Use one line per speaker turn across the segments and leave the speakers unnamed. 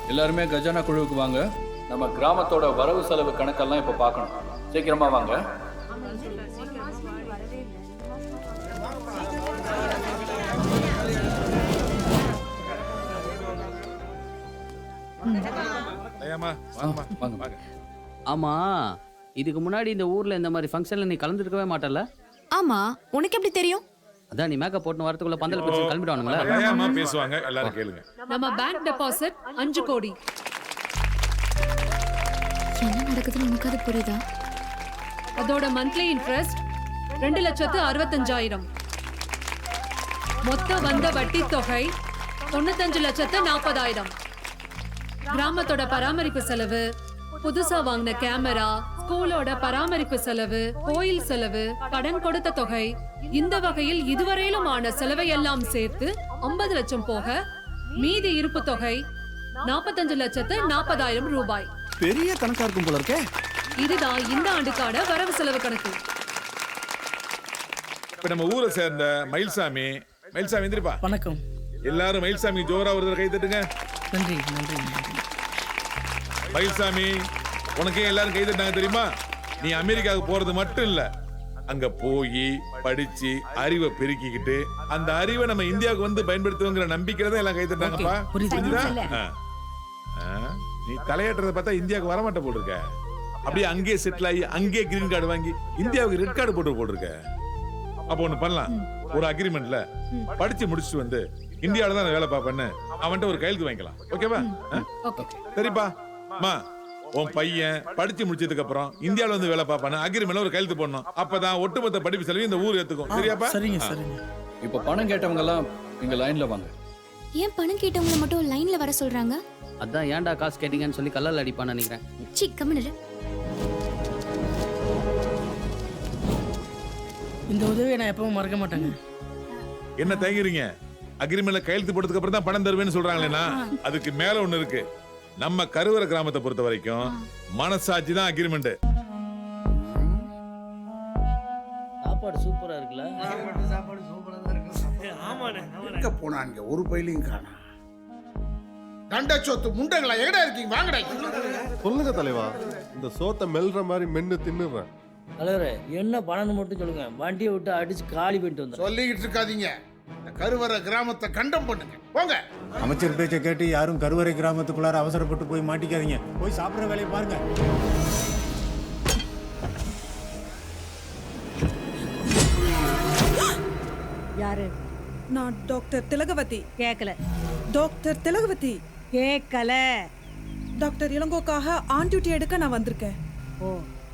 எல்லாருமே கஜானா குழுவுக்கு வாங்க. நம்ம கிராமத்தோட வரவு செலவு கணக்கெல்லாம் இப்போ பார்க்கணும். சீக்கிரமா வாங்க.
ஆமா, இதுக்கு முன்னாடி இந்த ஊர்ல இந்த மாதிரி ஃபங்க்ஷன்ல நீ கலந்துருக்கவே மாட்டல?
ஆமா, உனக்கு எப்படி தெரியும்?
அதான் நீ மேக்கப் போட்டு வரதுக்குள்ள பந்தல பிரச்சனை கிளம்பிடுவானுங்களா?
ஏமா பேசுவாங்க, எல்லாரும் கேளுங்க.
நம்ம பேங்க் டெபாசிட் 5 கோடி.
என்ன நடக்குதுன்னு உனக்கு அது புரியுதா?
அதோட மந்த்லி இன்ட்ரெஸ்ட் 2,65,000. மொத்த வந்த வட்டி தொகை 95,40,000. கிராமத்தோட பராமரிப்பு செலவு, புதுசா வாங்கின கேமரா, ஸ்கூலோட பராமரிப்பு செலவு, கோயில் செலவு, கடன் கொடுத்த தொகை, இந்த வகையில் இதுவரையிலும் ஆன செலவை எல்லாம் சேர்த்து 50 லட்சம் போக மீதி இருப்பு தொகை 45,40,000 ரூபாய்.
பெரிய கணக்கா இருக்கும் போல இருக்கே.
இதுதான் இந்த ஆண்டுக்கான வரவு செலவு கணக்கு.
இப்ப நம்ம ஊரை சேர்ந்த மயில்சாமி எந்திரிப்பா.
வணக்கம்.
எல்லாரும் மயில்சாமி ஜோரா ஒரு கை தட்டுங்க.
நன்றி நன்றி.
மயில்சாமி, உனக்கே எல்லாரும் கை தட்டாங்க தெரியுமா? நீ அமெரிக்காவுக்கு போறது மட்டும் இல்ல, அங்க போய் படிச்சு அறிவை பெருக்கிக்கிட்டு அந்த அறிவை நம்ம இந்தியாவுக்கு வந்து பயன்படுத்துவோங்கிற நம்பிக்கையில தான் எல்லாம் கை தட்டாங்கப்பா. புரியுதா? நீ தலையாட்டுறத பார்த்தா இந்தியாவுக்கு வரமாட்ட போட்டிருக்க. அப்படியே அங்கேயே செட்டில் ஆகி அங்கேயே கிரீன் கார்டு வாங்கி இந்தியாவுக்கு ரெட் கார்டு போட்டிருக்க. அப்போ ஒண்ணு பண்ணலாம், ஒரு அக்ரிமெண்ட்ல படிச்சு முடிச்சுட்டு வந்து இந்தியாவில தான் வேலை பார்ப்பேன்னு அவன்கிட்ட ஒரு கையெழுத்து வாங்கிக்கலாம். ஓகேவா? சரிப்பா. மா, உன் பையன் படிச்சு முடிச்சதுக்கு அப்புறம் இந்தியாவில வந்து வேலை பார்ப்பானு அக்ரிமெண்ட்ல ஒரு கையெழுத்து போடணும். அப்பதான் ஒட்டுமொத்த படிப்பு செலவு இந்த ஊர் ஏத்துக்கும். சரியாப்பா?
சரிங்க சரிங்க.
இப்போ பணம் கேட்டவங்க எல்லாம் இங்க லைன்ல வாங்க.
ஏன் பணம் கேட்டவங்க மட்டும் லைன்ல வர சொல்றாங்க?
அதான் ஏன்டா காசு கேட்டீங்கன்னு சொல்லி கல்லால் அடிப்பான்னு நினைக்கிறேன்.
சி, கம்முனு.
இந்த உதவியை நான் எப்பவும் மறக்க மாட்டேங்க.
என்ன தயங்குறீங்க? அக்ரிமெண்ட்ல கையெழுத்து போட்டதுக்கு அப்புறம் தான் பணம் தருவேன்னு சொல்றாங்களேனா, அதுக்கு மேல ஒண்ணு இருக்கு. நம்ம கருவற கிராமத்தை பொறுத்த வரைக்கும் மனசாட்சி தான் அக்ரிமெண்ட்.
சாப்பாடு சூப்பரா இருக்குல்ல?
சாப்பாடு சூப்பரா தான் இருக்கு. ஆமாண்ணே. எங்க போனாங்க? ஒரு பையிலையும் காணா. தண்டச்சோத்து முண்டங்களா, எங்கடா இருக்கீங்க? வாங்கடா.
சொல்லுங்க தலைவா, இந்த சோத்தை மெல்ற மாதிரி மென்னு தின்னுறேன்.
தலைவரே, என்ன பண்ணணும் மட்டும் சொல்லுங்க. வண்டியை விட்டு அடிச்சு காலி பண்ணிட்டு வந்து
சொல்லிக்கிட்டு இருக்காதீங்க. கருவற கிராமத்தை கண்டம் பண்ணுங்க. போங்க.
அமைச்சர் பேச்சை கேட்டு யாரும் கருவறை கிராமத்துக்குள்ளார அவசரப்பட்டு போய் மாட்டிக்காதீங்க. போய் சாப்பிடுற வேலையை பாருங்க.
யாரு?
நான் டாக்டர் திலகவதி.
கேக்கல.
டாக்டர் திலகவதி.
கேக்கல.
டாக்டர் இளங்கோக்காக ஆன் டியூட்டி எடுக்க நான் வந்திருக்கேன்.
ஓ.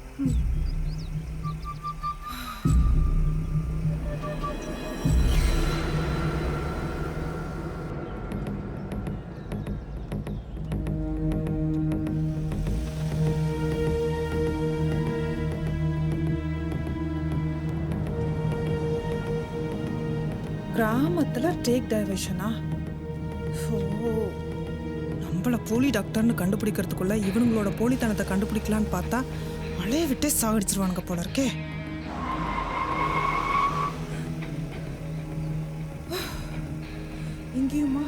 கிராமத்துல டேக் டைவர்ஷனா? நம்மள போலி டாக்டர்னு கண்டுபிடிக்கிறதுக்குள்ள இவனுங்களோட போலித்தனத்தை கண்டுபிடிக்கலான்னு பார்த்தா மழையை விட்டே சாகடிச்சிருவானுங்க போல இருக்கே. இங்கேயுமா?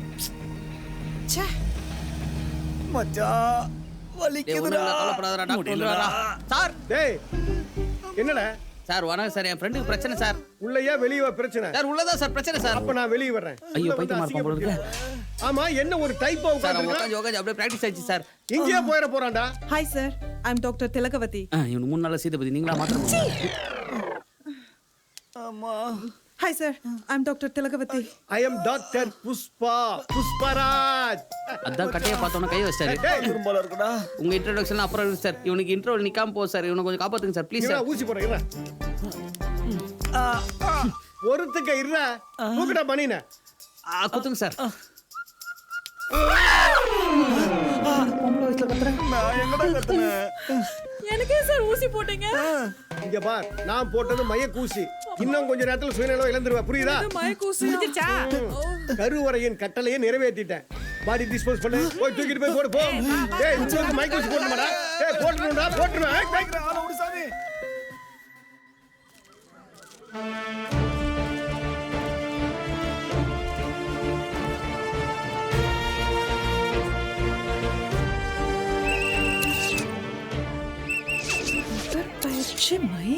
மச்சான் வலிக்குதுடா.
கவலைப்படாதடா, டாக்டர் வந்துடுவாரா? சார்,
டேய், என்னடா
சார் வணக்கம் சார். என் ஃப்ரெண்டுக்கு பிரச்சனை சார்.
உள்ளயா வெளியவா பிரச்சனை?
சார் உள்ளதா சார் பிரச்சனை சார்.
அப்ப நான் வெளிய வர்றேன்.
ஐயோ, பைத்தியமா இருப்பான் போல இருக்கு.
ஆமா, என்ன ஒரு டைப்பா
சார்
உட்கார்ந்து
உட்காந்து அப்படியே பிராக்டிஸ் ஆயிடுச்சு சார்.
இங்கேயே போயிட போறான்டா.
Hi sir, I am doctor Thilagavathi.
இவனுக்கு 3 நாளா சீதபதி நீங்களா மாத்திரம்.
ஆமா.
Hi sir, I am doctor Thilagavathi.
I am doctor Pushparaj.
அதான் கட்டைய பார்த்தோன்னா கை வச்சாரு.
குறும்பல இருக்குடா.
உங்க இன்ட்ரோடக்ஷன் அப்புறம் இருக்கு சார். இவனுக்கு இன்ட்ரோல் நிக்காம போ சார். இவனை கொஞ்சம் காப்பாத்துங்க சார் ப்ளீஸ் சார்.
ஊசி போடுறேன். ஒருத்துக்க இருடா. தூக்குடா பண்ணின.
குத்துங்க சார்.
நான் எங்கடா கத்துனேன்?
எனக்கே சார் ஊசி போட்டீங்க?
இங்க பார், நான் போட்டது மயக்கூசி. இன்னும் கொஞ்ச நேரத்துல சுயநலம் இழந்துருவா. புரியுதா?
மயக்கூசி முடிஞ்சிருச்சா?
கருவறையின் கட்டளையை நிறைவேற்றிட்டேன். பாடி டிஸ்போஸ் பண்ணு. போய் தூக்கிட்டு போய் போடு போ. டேய், உங்களுக்கு மயக்கூசி போடுமாடா? டேய், போட்டுறேன்டா, போட்டுறேன்.
ஆள விடு சாமி.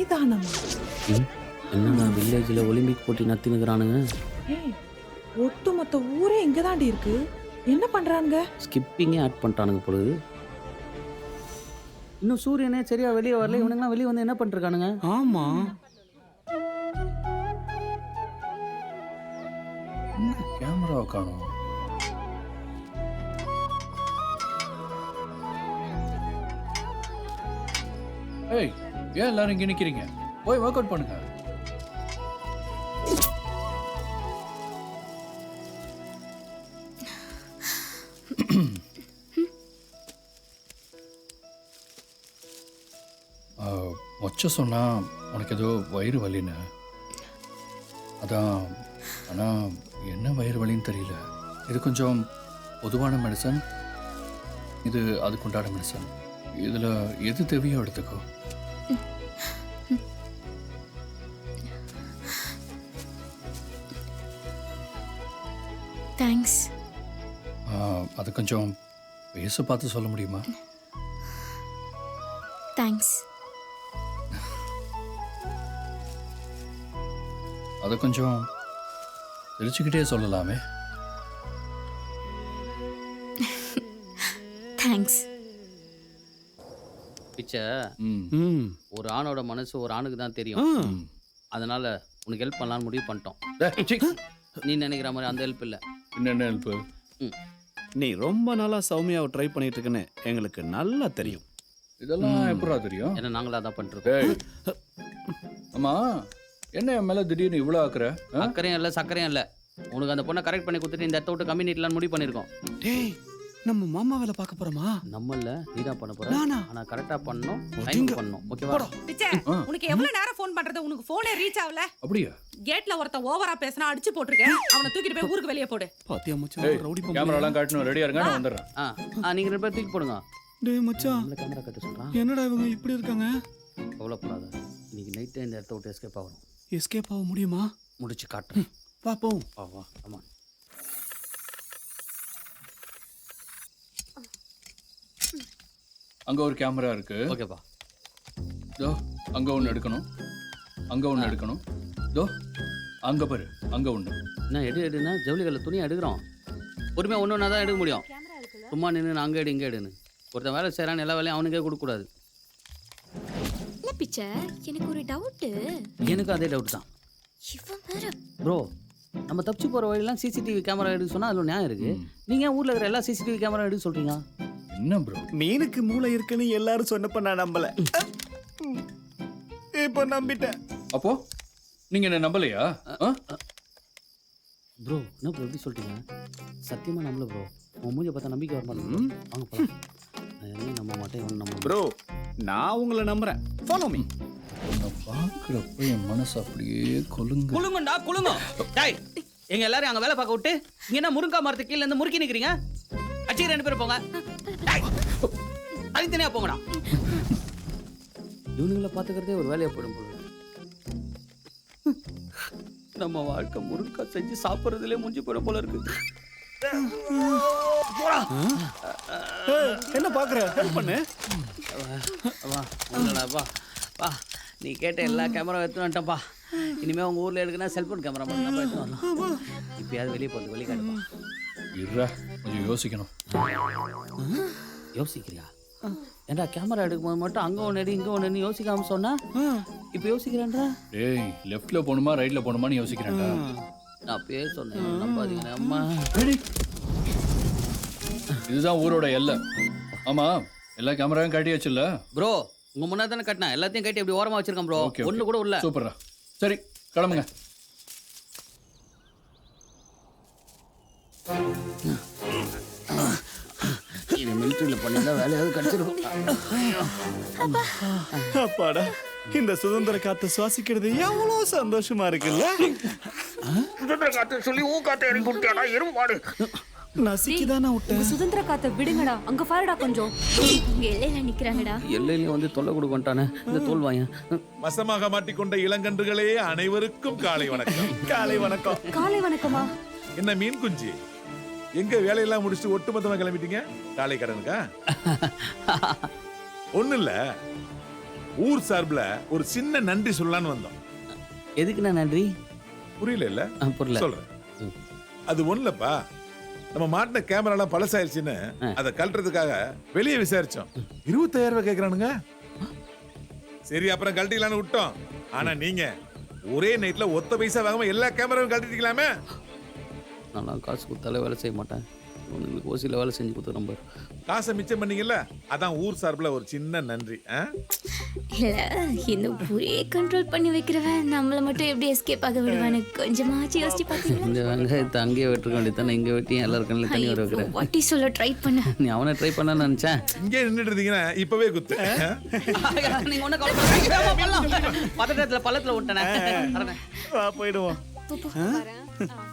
மைதானமா?
என்னடா வில்லேஜில் ஒலிம்பிக் போட்டி நடத்தினுக்கிறானுங்க.
ஏய், ஒட்டுமொத்த ஊரே இங்கதாண்டி இருக்கு. என்ன பண்றாங்க?
ஸ்கிப்பிங்கே ஆட் பண்ணிட்டானுங்க பொழுது. இன்னும் சூரியனே சரியா வெளியே வரல. இவனுங்களாம் வெளியே வந்து என்ன பண்ணிருக்கானுங்க?
ஆமா,
கேமரா காணும். ஏய், ஏன் எல்லாரும் இங்க நிக்கிறீங்க? போய் ஒர்க் அவுட் பண்ணுங்க. மொச்ச சொன்னா உனக்கு ஏதோ வயிறு வலின்னு. அதான், ஆனா என்ன வயிறு வலின்னு தெரியல. இது கொஞ்சம் பொதுவான மெடிசன், இது அதுக்குண்டான மெடிசன். இதுல எது தேவையோ எடுத்துக்கோ.
தேங்க்ஸ்.
அது கொஞ்சம் பேச பார்த்து சொல்ல முடியுமா?
தேங்க்ஸ்.
அதை கொஞ்சம் சிரிச்சுக்கிட்டே சொல்லலாமே.
தேங்க்ஸ்.
பிச்சை,
ம்.
ஒரு ஆணோட மனசு ஒரு ஆணுக்கு தான் தெரியும். அதனால உனக்கு ஹெல்ப் பண்ணலான்னு முடிவு பண்ணிட்டோம். நீ நினைக்கிற மாதிரி அந்த ஹெல்ப் இல்லை.
என்னென்ன ஹெல்ப்பு?
நீ ரொம்ப நாளா சௌமியாவை ட்ரை பண்ணிட்டு இருக்குன்னு எங்களுக்கு நல்லா தெரியும்.
இதெல்லாம் எப்படா தெரியும்?
ஏன்னா நாங்களா தான் பண்ணிருக்கோம்.
ஏய், அம்மா என்ன என் மேல திடீர்னு இவ்வளோ ஆக்குற?
அக்கறையும் இல்லை சக்கரையும் இல்லை. உனக்கு அந்த பொண்ணை கரெக்ட் பண்ணி கொடுத்துட்டு இந்த இடத்த விட்டு கம்யூனிட்டிலாம் முடிவு பண்ணியிருக்கோம்.
டேய், நம்ம மாமா வேலை பார்க்க போறோமா?
நம்மள நீ தான் பண்ண போற.
நானா?
ஆனா கரெக்டா பண்ணணும், டைம் பண்ணணும். ஓகேவா?
பிச்சை, உனக்கு எவ்வளவு நேரம் ஃபோன் பண்றது? உனக்கு போனே ரீச் ஆகல.
அப்படியா?
கேட்ல ஒருத்தன் ஓவரா பேசினா அடிச்சு போட்டுருக்கேன். அவனை தூக்கிட்டு போய் ஊருக்கு வெளியே போடு.
பாத்தியா மச்சான்,
ஏய்,
ரவுடி
கேமராலாம் காட்டணும். ரெடியா இருங்க, நான் வந்துடுறேன்.
நீங்க 2 பேர் தூக்கி போடுங்க.
டேய் மச்சான்,
நம்மள கேமரா கட்ட சொல்றான்.
என்னடா இவங்க இப்படி இருக்காங்க?
கவலைப்படாத, இன்னைக்கு நைட்டே இந்த இடத்த விட்டு எஸ்கேப் ஆகணும்.
எஸ்கேப் ஆக முடியுமா?
முடிச்சு காட்டுறேன்.
பாப்போம்.
வா ஆமா.
அங்க ஒரு கேமரா இருக்கு.
ஓகேப்பா.
தோ அங்க ஒன்று எடுக்கணும், அங்க ஒன்று எடுக்கணும். தோ அங்க பாரு, அங்க ஒன்று.
என்ன எடுனா ஜவுளிகளில் துணியை எடுக்கிறோம். பொறுமையாக ஒன்று ஒன்றா தான் எடுக்க முடியும். சும்மா நின்று அங்கே எடு இங்கே எடுன்னு ஒருத்தன் வேலை செய்கிறான்னு எல்லா வேலையும் அவனுக்கே கொடுக்கக்கூடாது.
இல்ல பிச்சை, எனக்கு ஒரு டவுட்டு.
எனக்கு அதே டவுட் தான்.
இவன் வேற.
ப்ரோ, நம்ம தப்பிச்சு போகிற வழியெல்லாம் சிசிடிவி கேமரா எடுக்க சொன்னால் அதில் நியாயம் இருக்குது. நீங்கள் ஏன் ஊரில் இருக்கிற எல்லா சிசிடிவி கேமரா எடுக்க சொல்கிறீங்க?
என்ன ப்ரோ?
மீனுக்கு மூளை இருக்குன்னு எல்லாரும் சொன்னப்ப நான் நம்பல. இப்ப நம்பிட்டேன்.
அப்போ நீங்க என்ன நம்பலையா?
ப்ரோ என்ன ப்ரோ எப்படி சொல்லிட்டீங்க? சத்தியமாக நம்பல ப்ரோ. உன் மூஞ்சியை பார்த்தா நம்பிக்கை வர மாட்டேன். வாங்க போலாம். நான் எதையும் நம்ப மாட்டேன், இவன் நம்ப
ப்ரோ, நான் உங்களை நம்புறேன். Follow me.
நான் பார்க்குறப்ப என் மனசு அப்படியே கொலுங்க.
குளுங்கண்டா குளுங்க. டேய், எங்க எல்லாரும் அங்க வேலை பார்க்க விட்டு இங்க என்ன முருங்கா மரத்துக்கு கீழ இருந்து முறுக்கி நிக்கிறீங்க? அச்சி 2 பேரும் போங்க. தனித்தனியா போங்கடா. இவனுங்களை பாத்துக்கிறதே ஒரு வேலையா போயிடும் போல. நம்ம வாழ்க்கை முருங்கா செஞ்சு சாப்பிட்றதுலே முடிஞ்சு போயிடும் போல இருக்கு.
என்ன பாக்குற? ஹெல்ப் பண்ணு.
வா வா வா. நீ கேட்ட எல்லா கேமரா எடுத்து வந்துட்டப்பா. இனிமே உங்க ஊர்ல எடுக்கனா செல்போன் கேமரா மட்டும் தான் எடுத்து வரலாம். இப்பயாவது வெளியே போகுது, வெளியே காட்டுப்பா.
இருடா, கொஞ்சம் யோசிக்கணும்.
யோசிக்கிறியா? ஏன்டா கேமரா எடுக்கும்போது மட்டும் அங்க ஒன்று எடு இங்க ஒன்று யோசிக்காம சொன்னா இப்போ யோசிக்கிறேன்டா.
டேய், லெஃப்ட்ல போகணுமா ரைட்ல போகணுமான்னு யோசிக்கிறேன்டா.
நான் பேர் சொன்னேன், நம்பாதீங்க. அம்மா,
இதுதான் ஊரோட எல்லை. ஆமா, எல்லா கேமராவும் காட்டியாச்சுல்ல?
ப்ரோ உங்க முன்னாடி தானே கட்டினா, எல்லாத்தையும் கட்டி அப்படி ஓரமா வச்சிருக்கேன் ப்ரோ.
ஓகே,
ஒண்ணு கூட உள்ள.
சூப்பர்ரா. சரி, கிளம்புங்க.
இது மிலிட்டரியில் பண்ணியிருந்தா வேலையாவது கிடைச்சிருக்கும்.
அப்பாடா, இந்த சுதந்திர காத்தை சுவாசிக்கிறது எவ்வளவு சந்தோஷமா இருக்குல்ல?
சுதந்திர காத்து சொல்லி ஊ காத்து எரி குட்டியாடா எருமாடு.
நசிக்குதானா விட்டேன்.
சுதந்திர காத்த விடுங்கடா. அங்க பாருடா கொஞ்சம். இங்க எல்லையில நிக்கிறாங்கடா.
எல்லையிலையும் வந்து தொல்லை கொடுக்க வந்துட்டானே இந்த தோல் வாயன்.
வசமாக மாட்டிக்கொண்ட இளங்கன்றுகளே, அனைவருக்கும் காலை வணக்கம்.
காலை வணக்கம்.
காலை வணக்கமா?
என்ன மீன் குஞ்சு, எங்க வேலையெல்லாம் முடிச்சுட்டு ஒட்டுமொத்தமா கிளம்பிட்டீங்க? காலை கடனுக்கா? ஒண்ணு இல்ல, ஊர் சார்பில் ஒரு சின்ன நன்றி சொல்லலான்னு வந்தோம்.
எதுக்குண்ணா நன்றி?
புரியல இல்ல?
புரியல.
சொல்றேன். அது ஒண்ணுலப்பா, நம்ம மாட்டின கேமராலாம் பழசாயிருச்சுன்னு அதை கழட்டுறதுக்காக வெளியே விசாரிச்சோம். 25,000 ரூபாய் கேட்கறானுங்க. சரி அப்புறம் கழட்டிக்கலான்னு விட்டோம். ஆனா நீங்க ஒரே நைட்ல ஒத்த பைசா வாங்காம எல்லா கேமராவும் கழட்டிக்கலாமே.
நான் காசு கொடுத்தாலே வேலை செய்ய மாட்டேன். உங்களுக்கு ஓசியில் வேலை செஞ்சு கொடுத்து நம்பர்.
காசை மிச்சம் பண்ணீங்கல்ல, அதான் ஊர் சார்பில் ஒரு சின்ன நன்றி.
இல்ல இந்த ஊரே கண்ட்ரோல் பண்ணி வைக்கிறவன் நம்மள மட்டும் எப்படி எஸ்கேப் ஆக விடுவானு கொஞ்சமாச்சு யோசிச்சு பாத்தீங்களா?
இந்த வெங்காயத்தை அங்கேயே வெட்டுக்க வேண்டியதானே, இங்கே வெட்டி எல்லாருக்கும் தண்ணி வர வைக்கிறேன்.
வாட்டி சொல்ல ட்ரை பண்ண.
நீ அவனை ட்ரை பண்ண நினைச்சேன்.
இங்கே நின்றுட்டு இருந்தீங்கன்னா இப்பவே குத்து.
நீங்க ஒன்னும் கவலைப்படாதீங்க. பதட்டத்துல பள்ளத்துல விட்டனே.
போயிடுவோம்.
போ, போ.